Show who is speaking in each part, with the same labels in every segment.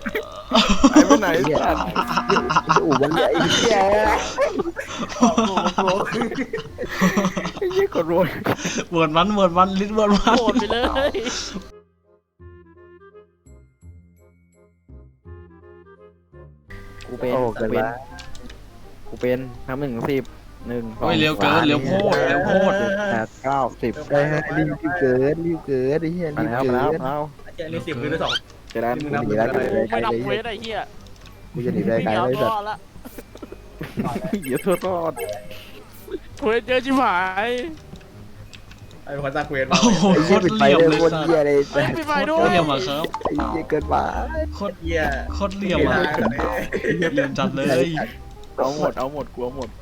Speaker 1: ไปไหนสัตว์อู่มันใหญ่เหี้ยไอ้เหี้ยกดโรย
Speaker 2: เวิร์ดมันลิ้นเวิร์ดมัน
Speaker 3: โหดไปเลย
Speaker 1: กูเป็นทำ1 ถึง 10 1 2
Speaker 2: โอ้ยเร็วเกินเร็วโพด
Speaker 1: 8 9 10ได้รีบเกินไอ้เหี้ยรีบเกินเอา
Speaker 4: เจ๊นี่10คือได้2
Speaker 1: เจรัน
Speaker 4: มึง
Speaker 1: กู
Speaker 4: นับ
Speaker 1: หนีได้
Speaker 3: ไม่นับเวทไอ้เหี้ย
Speaker 1: กูจะหนีได้ไกล
Speaker 3: เอา
Speaker 1: เลย
Speaker 3: ร
Speaker 1: สัต
Speaker 3: อ
Speaker 1: ว์
Speaker 3: ดละ
Speaker 1: เหี้ยโทษรอด
Speaker 3: เวทเยอะชิบหาย
Speaker 4: ไอ้คนตาเควส
Speaker 2: โอ้โหโคตรเหลี่ยมเลย
Speaker 1: คน
Speaker 2: สัส
Speaker 1: เหี้ยเลย
Speaker 3: เฮ้ยปิดไฟด้
Speaker 2: โค
Speaker 3: ว
Speaker 2: ตร
Speaker 3: ย
Speaker 2: เหลี่ยมอะครับ
Speaker 1: ไอ้เหี้ยเกินมา
Speaker 2: โคตร
Speaker 4: เหี้ย
Speaker 2: โคตรเหลี่ยมอะเหลี่ยมจัดเลย
Speaker 1: เอาหมดกลัวหมด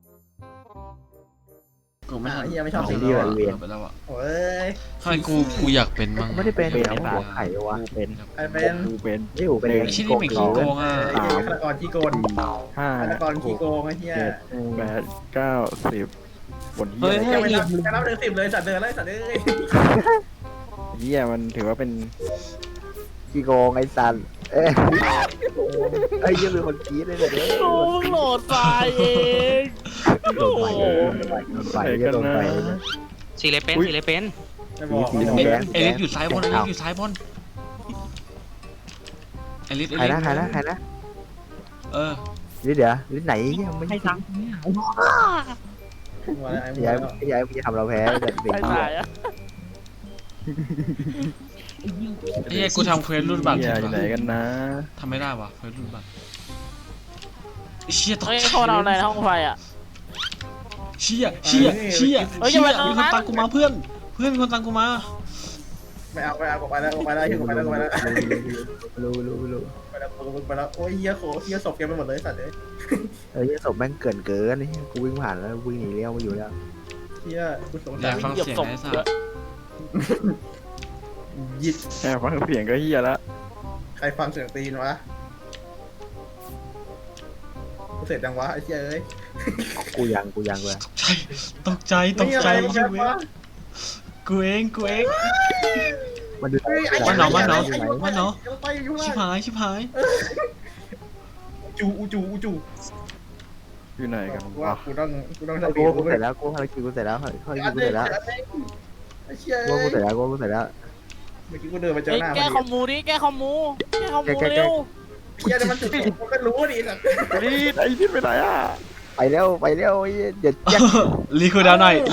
Speaker 2: กูไม่ทัน
Speaker 4: เหี้ยไม่ชอบ
Speaker 1: สี
Speaker 4: สี
Speaker 1: เดี
Speaker 4: นี้
Speaker 1: ยว
Speaker 4: ว่ะ
Speaker 2: ไปแล้วอะ
Speaker 4: โอ้ย
Speaker 2: ทำไมกูอยากเป็นมั่ง
Speaker 1: ไม่ได้เป็นเดี๋ยวหัวไข่วะเป็น
Speaker 4: ไอ้เป็น
Speaker 1: กูเป็นนี่กูเป็น
Speaker 2: ไอ้ชิ้นนี้ไม่ขี้โกงอ่ะ
Speaker 4: ฆาตกรขี้โกง
Speaker 1: ห้า
Speaker 4: ฆาตกรขี้โกงไอ้เหี้ย
Speaker 1: 7 8 9 10บนเหี้ย
Speaker 4: แกไม่นับถึง10เลยสัตว์เดินเลยสัตว์เอ้ย
Speaker 1: เหี้ยมันถือว่าเป็นขี้โกงไอ้สันเอ้ยไอ้เหี้ยเป็นคนกี้เลยเนี่ย
Speaker 3: โอ้โหลดตายเอง
Speaker 1: โดนไฟโดนไฟ
Speaker 5: สีเลยเป็นสีเลยเป็น
Speaker 4: ไม่บอก
Speaker 1: สี
Speaker 2: เอ
Speaker 1: แดง
Speaker 2: ลิสอยู่ซ้ายบนเอลิสอยู่ซ้ายบนเอลิส
Speaker 1: ใครนะ
Speaker 2: เออ
Speaker 1: นี่เดี๋ยวนี่ไหนยังไม่
Speaker 5: ให้ตังค์
Speaker 1: ย้ายมึงจะทำเราแพ้แต่เด็ก
Speaker 3: ไอ้ตายอะ
Speaker 2: ไอ้เหี้ยกูทำเควสรุ่นบัตร
Speaker 1: เหี้ย
Speaker 2: ผิด
Speaker 1: อยู่ไหน
Speaker 2: วะ
Speaker 1: กันนะ
Speaker 2: ทำไม่ได้วะเควสรุ่นบัตรเชี่ยตก
Speaker 3: เฮ้ย
Speaker 2: ใจ
Speaker 3: เขาเอาอะไรในห้องไฟอ่ะ
Speaker 2: เชี่ยมีคนตามกูมาเพื่อนคนตามกูมา
Speaker 4: ไม่เอาไปแล้วไปแล้วไปแล้ว
Speaker 1: รู้
Speaker 4: ไปแล้วโอ้ยเหี้ยโคเหี้ยศพแกไปหมดเลยสัตว์เอ้ย
Speaker 1: ยี่ศพแม่งเกินนี่กูวิ่งผ่านแล้ววิ่งหนีเลี้ยวมาอยู่แล้ว
Speaker 4: เหี้ยกูสง
Speaker 2: อยา
Speaker 4: สาก ร
Speaker 2: ฟังเสียงไอ้สัส
Speaker 4: ยิด
Speaker 1: แค่ฟังเสียงก็เฮียแล้ว
Speaker 4: ใครฟังเสียงตีนวะกูเสร็จจังวะไอ้เหี้ยเอ้ย
Speaker 1: กูยังเลย
Speaker 2: ตกใจชีวิตกูเอง
Speaker 1: มันดู
Speaker 2: มันเนาะชิบหาย
Speaker 4: จู
Speaker 1: อยู่ไหนกัน
Speaker 4: ว่า
Speaker 1: วะ
Speaker 4: กูต้อง
Speaker 1: กูเสร็จแล้วกูภารกิจกูเสร็จแล้วกูเสร็จแล้ว
Speaker 4: ไอ้เชี่ย
Speaker 1: กูเสร็จแล้ว
Speaker 4: เมื่อกี้กูเดินมาเจอ
Speaker 3: เฮ้ย
Speaker 4: หน้า
Speaker 3: แก้คอมมูดิแก้คอมมูเร็ว
Speaker 4: เชี่ยมันจุดมันก็รู้ดิสัตว์
Speaker 1: รีดไอ้รีดไปไหนอ่ะไปเร็วเดี๋ยวแจ็ค
Speaker 2: รีคูดาวหน่อย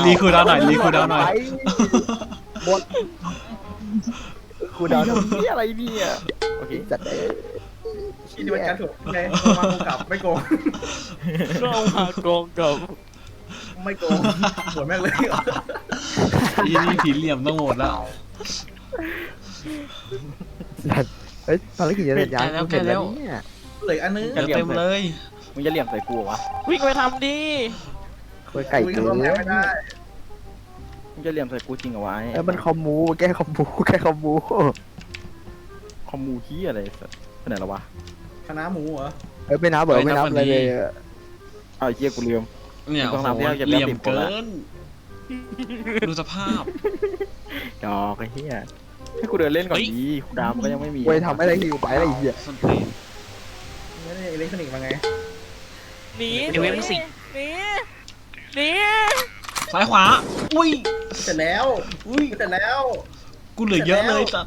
Speaker 1: หมดกูดาวนี่อะไรเนี่ยโอเคจัดได้
Speaker 4: ที่นี่มันการถูกไงมาโกงกับไม่โกง
Speaker 3: เรามาโกงกับ
Speaker 4: ไม่โกงปวดแม่งเลย
Speaker 2: อีนี่ผีเหลี่ยมต้องโหมดแล้ว
Speaker 1: เฮ้ยภารกิจจะเสร็จยังเสร็จแล้วเนี่ย
Speaker 4: เหลืออันนึง
Speaker 2: เต็มเลย
Speaker 1: มึงจะเหลี่ยมใส่กูวะ
Speaker 3: วิ่งไปทำดิ
Speaker 1: คุยไก่
Speaker 4: วิ่ง
Speaker 1: เกิน
Speaker 4: เข้าแพ้ไม่ได้
Speaker 1: มึงจะเหลี่ยมใส่กูจริงเหรอวะไอ้มันคอมมูแก้คอมมูคอมมูขี้อะไรสัสไปไหนแล้ววะ
Speaker 4: คณะหมูเหรอ
Speaker 1: ไม่นับไม่นับเลยเอาเชี่ยกูลืม
Speaker 2: เนี่ย
Speaker 1: ต้อง
Speaker 2: โห
Speaker 1: นับที่เราจะ
Speaker 2: เหลี่ยม
Speaker 1: ติด
Speaker 2: เกินดูสภาพ
Speaker 1: ดอกไอ้เหี้ยให้กูเดินเล่นก่อนดีกูดามก็ยังไม่มีกูทำอะไรอยู่ไปอะไรเหี้ย
Speaker 2: สตีน
Speaker 4: ไม่ได้อิเล็กทรอนิกส์มาไง
Speaker 3: หนี
Speaker 2: ซ้ายขวาอุ้ย
Speaker 4: เสร็จแล้ว
Speaker 2: กูเหลือเยอะเลยจัด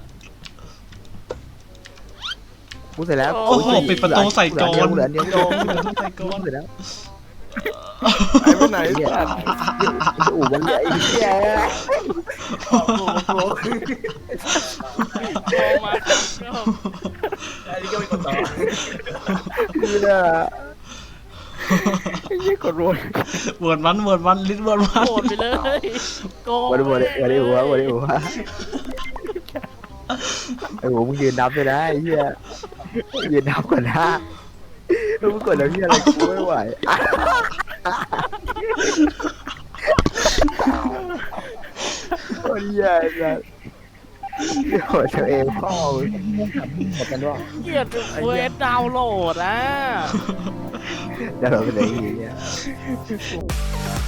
Speaker 1: กูเสร็จแล้ว
Speaker 2: โอ้โหปิดประตูใส่กร
Speaker 1: เหลือเดียว
Speaker 2: ใส่กร
Speaker 1: เสร็จแล้วไอ้ไปไหนอู่มันใหญ่เหี้ย
Speaker 3: โกงมา
Speaker 4: อันนี้ก็เป็นคนต่อ
Speaker 1: คือเนี่ยไอ้เหี้ยกดโรย
Speaker 2: เวิร์ดมันลิ้นเวิร์ดมัน
Speaker 3: โหดไปเลยโกง
Speaker 1: วันนี้หัวไอ้หัวมึงยืนนับเลยนะไอ้เหี้ยยืนนับก่อนนะมึงกดแล้วเหี้ยอะไรกูไม่ไหวโอ้ยเหี้ยนะโหเธอเองพ่อหมดกันด้วย
Speaker 3: เกลียดเวทดาวน์โหลดอ่ะ
Speaker 1: เดี๋ยวเราไปไหนอีกเนี่ย